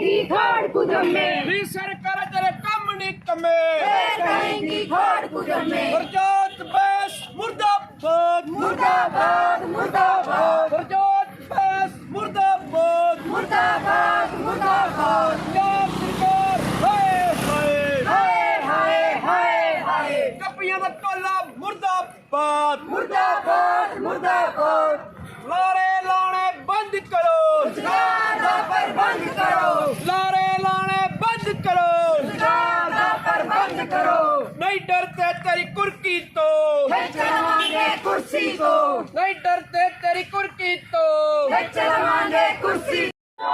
कहेंगी खाड़ कुजमे सरकार तेरे कम नहीं कमे कहेंगी खाड़ कुजमे गुरजोत बैस मुर्दाबाद मुर्दाबाद मुर्दाबाद गुरजोत बैस मुर्दाबाद मुर्दाबाद मुर्दाबाद पंजाब सरकार हाय हाय हाय हाय हाय हाय कपियां दा टोला मुर्दाबाद मुर्दाबाद मुर्दाबाद लारे लाने बंद करो रोजगार दा प्रबंध करो लारे लाने बंद करो रोजगार दा प्रबंध करो नहीं डरते तेरी कुर्की तो चलवाएंगे कुर्सी को नहीं डरते तेरी कुर्की तो चलवाएंगे कुर्सी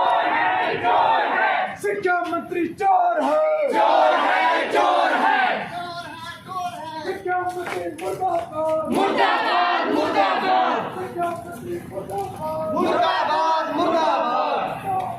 शिक्षा मंत्री चोर है शिक्षा मंत्री मुर्दाबाद मुर्दाबाद मुर्दाबाद शिक्षा मंत्री मुर्दाबाद मुर्दाबाद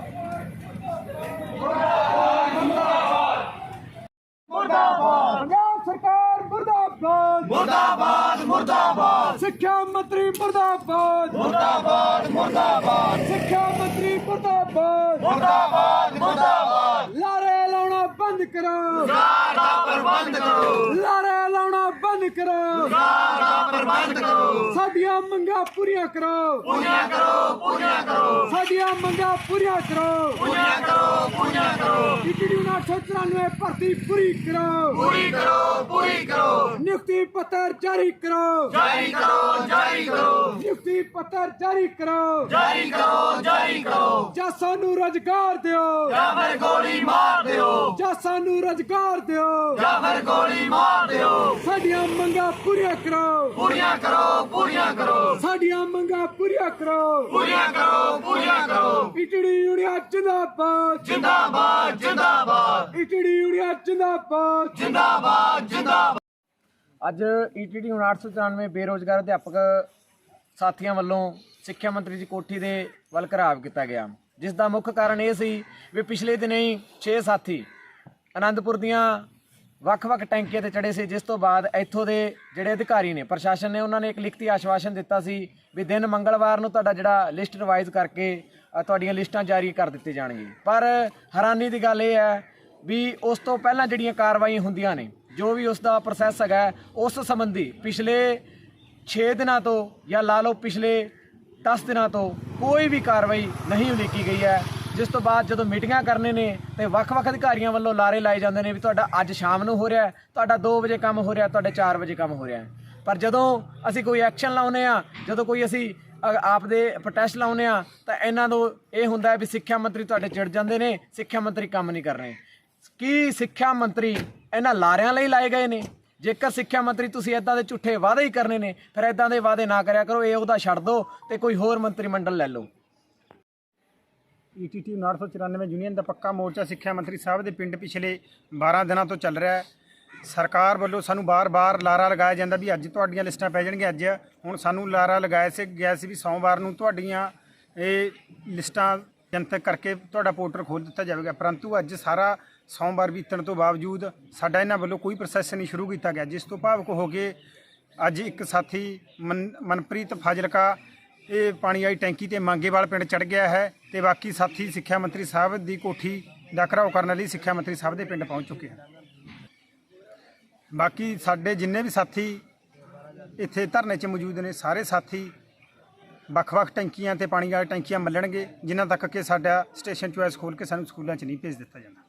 पंजाब सरकार मुर्दाबाद मुर्दाबाद मुर्दाबाद शिक्षा मंत्री मुर्दाबाद मुर्दाबाद मुर्दाबाद शिक्षा मंत्री मुर्दाबाद मुर्दाबाद मुर्दाबाद लारे लाना बंद करो रोजगार दा प्रबंध करो लारे लाना बंद करो रोजगार दा प्रबंध करो साडियां मंगां पूरियां करो पूजा करो साडियां मंगां पूरियां करो पूजा करो ईटीडी 994 भर्ती पूरी करो पूरी करो नियुक्ति पत्र जारी करो जारी करो नियुक्ति पत्र जारी करो जारी करो ਜਾਂ ਸਾਨੂੰ ਰੁਜ਼ਗਾਰ ਦਿਓ ਜਾਂ ਫਿਰ ਗੋਲੀ ਮਾਰ ਦਿਓ ਜਾਂ ਸਾਨੂੰ ਰੁਜ਼ਗਾਰ ਦਿਓ ਜਾਂ ਫਿਰ ਗੋਲੀ ਮਾਰ ਦਿਓ ਸਾਡੀਆਂ ਮੰਗਾਂ ਪੂਰੀਆਂ ਕਰੋ ਪੂਰੀਆਂ ਕਰੋ ਸਾਡੀਆਂ ਮੰਗਾਂ ਪੂਰੀਆਂ ਕਰੋ ਪੂਰੀਆਂ ਕਰੋ ਈਟੀਡੀ ਯੂਨੀਅਨ ਜਿੰਦਾਬਾਦ ਜਿੰਦਾਬਾਦ ਜਿੰਦਾਬਾਦ ਈਟੀਡੀ ਯੂਨੀਅਨ ਜਿੰਦਾਬਾਦ ਜਿੰਦਾਬਾਦ ਅੱਜ ਈਟੀਡੀ 894 ਬੇਰੋਜ਼ਗਾਰ ਅਧਿਆਪਕ ਸਾਥੀਆਂ ਵੱਲੋਂ ਸਿੱਖਿਆ ਮੰਤਰੀ ਦੀ ਕੋਠੀ ਦੇ ਵੱਲ ਘਰਾਵ ਕੀਤਾ ਗਿਆ, ਜਿਸ ਦਾ ਮੁੱਖ ਕਾਰਨ ਇਹ ਸੀ ਵੀ ਪਿਛਲੇ ਦਿਨੇ ਹੀ 6 ਸਾਥੀ ਆਨੰਦਪੁਰ ਦੀਆਂ ਵੱਖ-ਵੱਖ ਟੈਂਕੀਆਂ ਤੇ ਚੜੇ ਸੀ, ਜਿਸ ਤੋਂ ਬਾਅਦ ਇੱਥੋਂ ਦੇ ਜਿਹੜੇ ਅਧਿਕਾਰੀ ਨੇ ਪ੍ਰਸ਼ਾਸਨ ਨੇ ਉਹਨਾਂ ਨੇ ਇੱਕ ਲਿਖਤੀ ਆਸ਼ਵਾਸਨ ਦਿੱਤਾ ਸੀ ਵੀ ਦਿਨ ਮੰਗਲਵਾਰ ਨੂੰ ਤੁਹਾਡਾ ਜਿਹੜਾ ਲਿਸਟ ਰਿਵਾਈਜ਼ ਕਰਕੇ ਤੁਹਾਡੀਆਂ ਲਿਸਟਾਂ ਜਾਰੀ ਕਰ ਦਿੱਤੀ ਜਾਣਗੀਆਂ। ਪਰ ਹੈਰਾਨੀ ਦੀ ਗੱਲ ਇਹ ਹੈ ਵੀ ਉਸ ਤੋਂ ਪਹਿਲਾਂ ਜਿਹੜੀਆਂ ਕਾਰਵਾਈਆਂ ਹੁੰਦੀਆਂ ਨੇ, ਜੋ ਵੀ ਉਸ ਦਾ ਪ੍ਰੋਸੈਸ ਹੈਗਾ, ਉਸ ਸੰਬੰਧੀ ਪਿਛਲੇ 6 ਦਿਨਾਂ ਤੋਂ ਜਾਂ ਲਾ ਲਓ ਪਿਛਲੇ 10 ਦਿਨਾਂ ਤੋਂ ਕੋਈ ਵੀ ਕਾਰਵਾਈ ਨਹੀਂ ਉਲੀਕੀ ਗਈ ਹੈ। ਜਿਸ ਤੋਂ ਬਾਅਦ ਜਦੋਂ ਮੀਟਿੰਗਾਂ ਕਰਨੇ ਨੇ ਤੇ ਵੱਖ-ਵੱਖ ਅਧਿਕਾਰੀਆਂ ਵੱਲੋਂ ਲਾਰੇ ਲਾਏ ਜਾਂਦੇ ਨੇ ਵੀ ਤੁਹਾਡਾ ਅੱਜ ਸ਼ਾਮ ਨੂੰ ਹੋ ਰਿਹਾ, ਤੁਹਾਡਾ 2 ਵਜੇ ਕੰਮ ਹੋ ਰਿਹਾ, ਤੁਹਾਡੇ 4 ਵਜੇ ਕੰਮ ਹੋ ਰਿਹਾ। ਪਰ ਜਦੋਂ ਅਸੀਂ ਕੋਈ ਐਕਸ਼ਨ ਲਾਉਂਦੇ ਆ, ਜਦੋਂ ਕੋਈ ਅਸੀਂ ਆਪ ਦੇ ਪ੍ਰੋਟੈਸਟ ਲਾਉਂਦੇ ਆ, ਤਾਂ ਇਹਨਾਂ ਨੂੰ ਇਹ ਹੁੰਦਾ ਵੀ ਸਿੱਖਿਆ ਮੰਤਰੀ ਤੁਹਾਡੇ ਚਿੜ ਜਾਂਦੇ ਨੇ, ਸਿੱਖਿਆ ਮੰਤਰੀ ਕੰਮ ਨਹੀਂ ਕਰ ਰਹੇ। ਕੀ ਸਿੱਖਿਆ ਮੰਤਰੀ ਇਹਨਾਂ ਲਾਰਿਆਂ ਲਈ ਲਾਏ ਗਏ ਨੇ? ਜੇਕਰ ਸਿੱਖਿਆ ਮੰਤਰੀ ਤੁਸੀਂ ਇੱਦਾਂ ਦੇ ਝੂਠੇ ਵਾਅਦੇ ਹੀ ਕਰਨੇ ਨੇ, ਫਿਰ ਇੱਦਾਂ ਦੇ ਵਾਅਦੇ ਨਾ ਕਰਿਆ ਕਰੋ, ਇਹ ਉਹਦਾ ਛੱਡ ਦਿਓ ਤੇ ਕੋਈ ਹੋਰ ਮੰਤਰੀ ਮੰਡਲ ਲੈ ਲਓ। ਈਟੀਟੀ 994 ਯੂਨੀਅਨ ਦਾ ਪੱਕਾ ਮੋਰਚਾ ਸਿੱਖਿਆ ਮੰਤਰੀ ਸਾਹਿਬ ਦੇ ਪਿੰਡ ਪਿਛਲੇ 12 ਦਿਨਾਂ ਤੋਂ ਚੱਲ ਰਿਹਾ ਹੈ। ਸਰਕਾਰ ਵੱਲੋਂ ਸਾਨੂੰ ਬਾਰ-ਬਾਰ ਲਾਰਾ ਲਗਾਇਆ ਜਾਂਦਾ ਵੀ ਅੱਜ ਤੁਹਾਡੀਆਂ ਲਿਸਟਾਂ ਪੈ ਜਾਣਗੀਆਂ। ਅੱਜ ਹੁਣ ਸਾਨੂੰ ਲਾਰਾ ਲਗਾਇਆ ਗਿਆ ਸੀ ਵੀ ਸੋਮਵਾਰ ਨੂੰ ਤੁਹਾਡੀਆਂ ਇਹ ਲਿਸਟਾਂ ਜਨਤਕ ਕਰਕੇ ਤੁਹਾਡਾ ਪੋਰਟਲ ਖੋਲ੍ਹ ਦਿੱਤਾ ਜਾਵੇਗਾ, ਪਰੰਤੂ ਅੱਜ ਸਾਰਾ ਸੋਮਵਾਰ ਬੀਤਣ ਤੋਂ ਬਾਵਜੂਦ ਸਾਡਾ ਇਹਨਾਂ ਵੱਲੋਂ ਕੋਈ ਪ੍ਰੋਸੈਸ ਨਹੀਂ ਸ਼ੁਰੂ ਕੀਤਾ ਗਿਆ, ਜਿਸ ਤੋਂ ਭਾਵੁਕ ਹੋ ਕੇ ਅੱਜ ਇੱਕ ਸਾਥੀ ਮਨਪ੍ਰੀਤ ਫਾਜ਼ਿਲਕਾ ਇਹ ਪਾਣੀ ਵਾਲੀ ਟੈਂਕੀ ਤੇ ਮੰਗੇਵਾਲ ਪਿੰਡ ਚੜ੍ਹ ਗਿਆ ਹੈ ਤੇ ਬਾਕੀ ਸਾਥੀ ਸਿੱਖਿਆ ਮੰਤਰੀ ਸਾਹਿਬ ਦੀ ਕੋਠੀ ਦਾ ਘਿਰਾਓ ਕਰਨ ਲਈ ਸਿੱਖਿਆ ਮੰਤਰੀ ਸਾਹਿਬ ਦੇ ਪਿੰਡ ਪਹੁੰਚ ਚੁੱਕੇ ਹਨ। ਬਾਕੀ ਸਾਡੇ ਜਿੰਨੇ ਵੀ ਸਾਥੀ ਇੱਥੇ ਧਰਨੇ 'ਚ ਮੌਜੂਦ ਨੇ, ਸਾਰੇ ਸਾਥੀ ਵੱਖ-ਵੱਖ ਟੈਂਕੀਆਂ ਤੇ ਪਾਣੀ ਵਾਲੀ ਟੈਂਕੀਆਂ ਮੱਲਣਗੇ, ਜਿਨ੍ਹਾਂ ਤੱਕ ਕਿ ਸਾਡਾ ਸਟੇਸ਼ਨ ਚੋਇਸ ਖੋਲ੍ਹ ਕੇ ਸਾਨੂੰ ਸਕੂਲਾਂ 'ਚ ਨਹੀਂ ਭੇਜ ਦਿੱਤਾ ਜਾਂਦਾ।